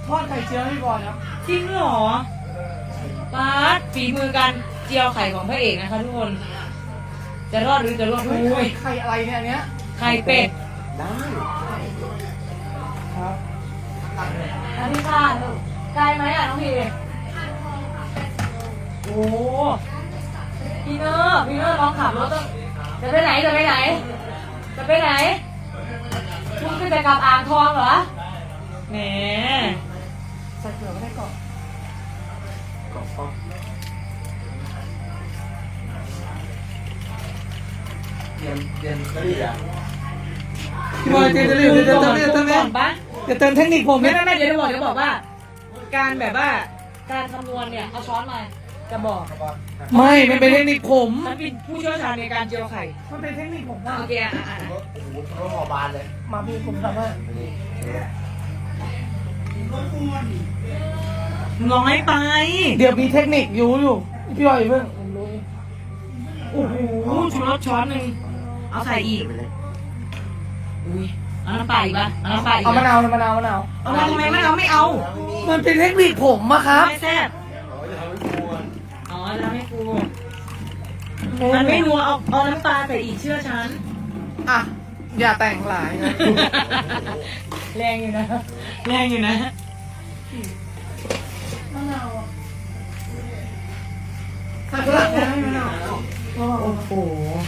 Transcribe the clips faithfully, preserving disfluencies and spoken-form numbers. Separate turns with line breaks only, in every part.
ทอดไข่เจียวให้พี่บอยครับ
จริงเหรอป๊าดฝีมือการเจียวไข่ของพระเอกนะคะทุกคนจะรอดหรือจะรอดไม่รู้
ไข่อะไรเนี่ยอันเนี้ย
ไข่เป็ด
ได้
ครับ
อันนี้ค่ะไกลไหมอ่ะน้องพีโอ้พี่เนอร์พี่เนอร์ลองขับรถต้องจะไปไหนจะไปไหนจะไปไหนคุณก็จะกลับอ่างทองเหรอแหม
ใส่เกลือก็ได้ก่อน
กรอบกรอบเย็นเย็นก็ดีอ่ะ
พี่บอยเติมเติมเติมเติมเติมเติมเติม
ก่อนปะ
จะเติมเทคนิคผม
ไม่ไม่ไม่เดี๋ยวจะบอกจะบอกว่า การแบบว่าการคำนวณเนี่ยเอาช้อนมาจะบอก
ไม่มันเป็นเทคนิคผม
มันเป็นผู้เชี่ยวชาญในการเจียวไข่
มันเป็นเทคนิคผมว่า
โอเคอ่ะอ่ะ
โอ้โหเขาหอบานเลย
มาพี่ผมทำให้
น้อยไป
เดี๋ยวมีเทคนิคอยู่อยู่พี่บอยเพิ่งผมรู้
โอ้โหชูรสช้อนหนึ่งเอาใส่อีกอุ้ยเอาน้ำปลาอีกปะเอาน้ำปลาอีก
เอามะนาวมะนาวมะนาว
เอามาทำไมไม่เอาไม่เอา
มันเป็นเทคนิคผมอะครับ
ไม่แซ่บอ๋อจะทำให้กูมันไม่นัวเอาเอาน้ำปลาใส่อีกเชื่อฉัน
อ่ะอย่าแต่งหลายนะ
แรงอยู่นะแรงอยู่นะ
มะนาวใส่กระดาษนะมะนาว
โอ้โห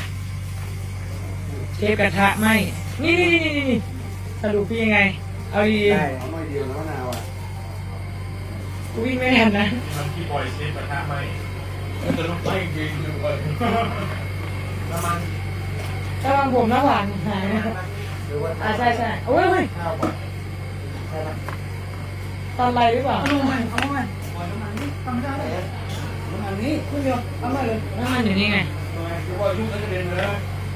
เชฟกระทะไหมนี่นี่นี่นี่นี่สรุปพี่ยังไง เอาดี
ได้เอาหน่อยเดียวนะมะนาวอ่ะ
กูวิ่งไม่ทันนะ
มันที่ปล่อยเชฟกระทะไหมมันจะต้องไปจริงๆเลยน้ำมัน
ถ้าบางผมหน้าหวานหายนะ
หรือว่า
อ่าใช่ใช่โอ้ยเฮ้ย
ข้าวก่อนใช่ไหม
ตอนไรหรือเปล่า
เอาลงมาเอาลงมาปล่อยน้ำมันนี่ทำไม่ได้เลยน้ำมันนี่คุณเดียวเอามาเลย
น้ำมันอยู่นี่ไง
ทำไมคือว่ายุ่งแล้วจะเด่นเลย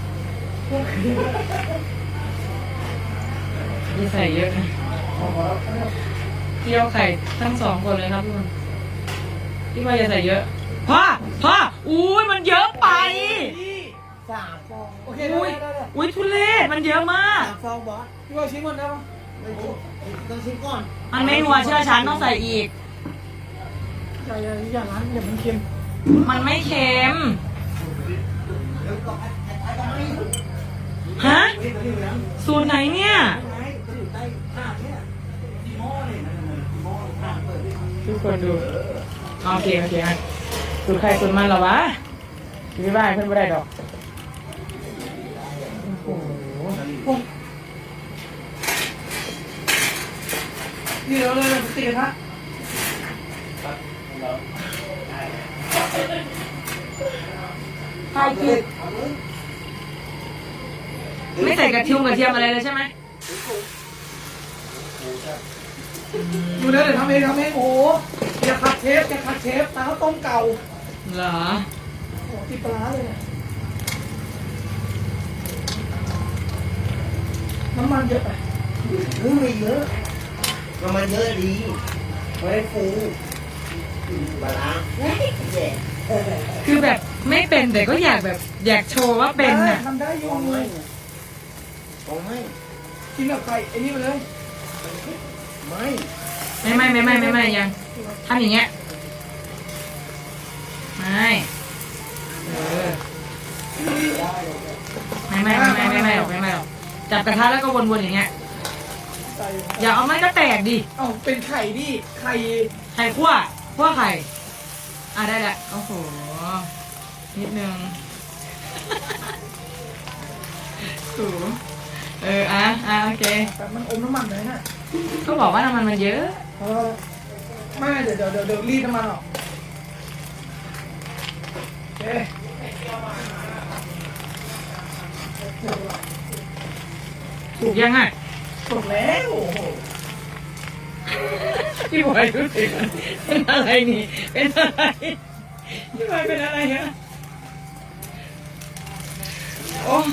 นี่ใส่เยอะนะเจียวไข่ทั้งสองคนเลยครับทุกคนพี่ว่าอย่าใส่เยอะพ่อพ่ออุ้ยมันเยอะไป
สามฟองโอเค
อุ้ย
ได้ได้
อุ้ยทุเรศมันเยอะมาก
สามฟองบอสพี่บอยชิมก่อนได้ปะ
ต้องชิมก่อน
มันไม่นัวเชื่อฉันต้องใส่อีก
อย่าอย่าอย่าร้านอย่ามันเค็ม
มันไม่เค็มฮะสูตรไหนเนี่ยทุกคนดูโอเคโอเคฮะสูตรใครสูตรมันเหรอวะไม่บ้าเพื่อนไม่ได้ดอกโอ้โห
นี่เราเลยเราตีกระทะ
ใครคิดไม่ใส่กระเทียมกระเทียมอะไรเลยใช่ไหม
อยู่นะเดี๋ยวทำเองทำเองโอ้โหอย่าขัดเชฟอย่าขัดเชฟตาเขาต้มเก่า
เหรอ
โอ้ติดปลาร้าเลยเนี่ยน้ำมันเยอะไป
เฮ้ยไม่เยอะก็มันเยอะดีไม่ได้ฟูปลาร้าแย่
คือแบบไม่เป็นแต่ก็อยากแบบอยากโชว์ว่าเป็นน่ะ
ทำได้อยู่
ของไม่ของไม่
กินกับไข่ไอ้นี่มาเลย
ไม่
ไม่ไม่ไม่ไม่ไม่ไม่ยังทำอย่างเงี้ยไม่เออไม่ไม่ไม่ไม่ไม่ไม่หรอกไม่ไม่หรอกจับกระทะแล้วก็วนๆอย่างเงี้ย
ใส่
อย่าเอาไม้ก็แตกดิ
เอ้าเป็นไข่ดิไข่
ไข่คั่วคั่วไข่อ่ะได้แหละโอ้โหนิดนึงถูเอออ่ะอ่ะโอเค
แบบมันอมน้ำมันเลยนะ
ก็บอกว่าน้ำมันมันเยอะ
เออไม่เดี๋ยวเดี๋ยวเดี๋ยวเดี๋ยวรีดน้ำมันออกโอเค
ถูกยังอ่ะ
ถูกแล้วโอ้โห
พี่บอยรู้สึกเป็นอะไรนี่เป็นอะไรพี่บอยเป็นอะไรฮะโอ้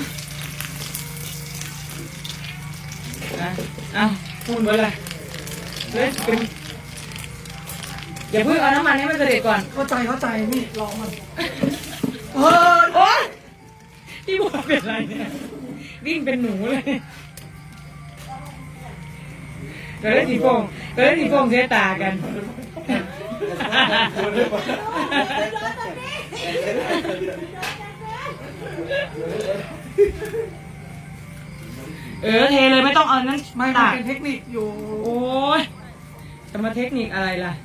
อ่ะเอาพูดไปเลยเล่นเป็นอย่าเพิ่งเอาน้ำมันให้มันกระเด็ดก่อน
เข้าใจเข้าใจนี่ลองมันเออ
โอ๊ยพี่บอยเป็นอะไรเนี่ยวิ่งเป็นหนูเลยก็ได้สีโฟงก็ได้สีโฟงเสียตากัน เออเทเลยไม่ต้องเอานั้น
ไม่
ตั
มัน
ก
เป็นเทคนิคอยู่
โอ้ยจะมาเทคนิคอะไรล่ะ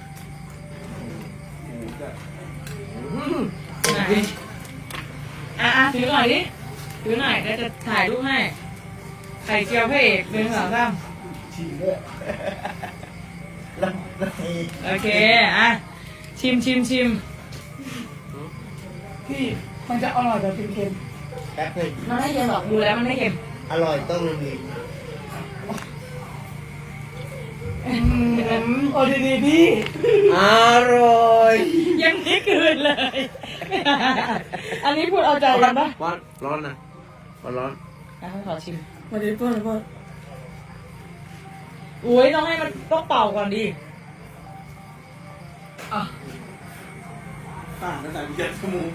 ไหนอ่ะอ่ะถือหน่อยดิถือหน่อยแล้วจะถ่ายรูปให้ไข่เจียวพระเอกหนึ่งสองสาม
ชิมด้วยแล้วแล้วไอ้
โอเคอ่ะชิมชิมชิม
พี่มันจะอร่อยแบบเค็ม
แป๊บหนึง
มันไม่เค็มหรอกดูแล้วมันไม่เค็ม
อร่อยต้องมี
ๆอืมโอ้ดีๆพี่
อร่อย
ยังไม่คืนเลย อันนี้พูดเอาใจกันปะ
ร้อนร้อนนะร้อนร้อน
อ่ะขอชิม
มาดีเพื่อนเพื่อน
อุ้ยต้องให้มันต้องเป่าก่อนดิอ่ะ
ต่างกันแต่เจ็ดชั่วโมง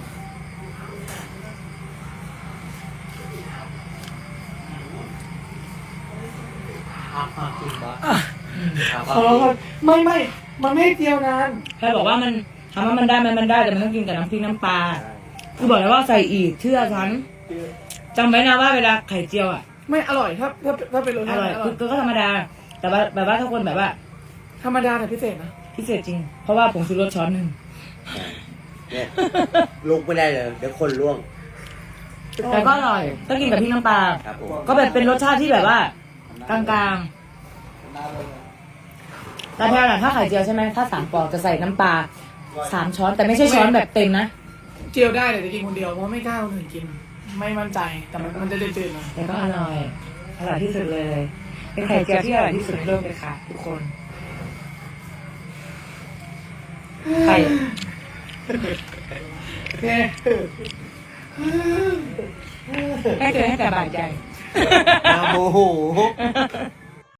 อาบกินบ้า
อ่ะขอร้องก่อนไม่ไม่มันไม่เจียวนาน
ใครบอกว่ามันทำว่ามันได้มันมันได้แต่มันต้องกินกับน้ำพริกน้ำปลากูบอกแล้วว่าใส่อีกเชื่อฉันจำไว้นะว่าเวลาไข่เจียวอ่ะ
ไม่อร่อยถ้าถ้าถ้าเป็นรส
อ
ชาติ
ร่อย
อร่
คือ อก็ธรรมดา แต่ว่าแบบว่าถ้าคนแบบว่า
ธรรมดาแต่พิเศษนะ
พิเศษจริง เพราะว่าผงชูรสช้อนหนึ่ง
เนี่ยลุกไม่ได้เลยเดี๋ยวคนล่วง
แต่ก็อร่อยต้องกินกับพริกน้ำปลา
ครับผม
ก็แบบเป็นรสชาติที่แบบว่ากลางๆแต่แพลน่ะถ้าไข่เจียวใช่ไหมถ้าสามปอกจะใส่น้ำปลาสามช้อนแต่ไม่ใช่ช้อนแบบเต็มนะ
เจียวได้แต่จะกินคนเดียวเพราะไม่กล้าคนอื่นกิน ไม่มั่นใจแต่มันมันจะจืดๆหน่อย
แต่ก็อร่อยอร่อยที่สุดเลย เป็นไข่เจียวที่อร่อยที่สุดในโลกเลยค่ะ ทุกคนไข่
โอเค
ให้เกิดให้แต่บาดใจ
มาโมโห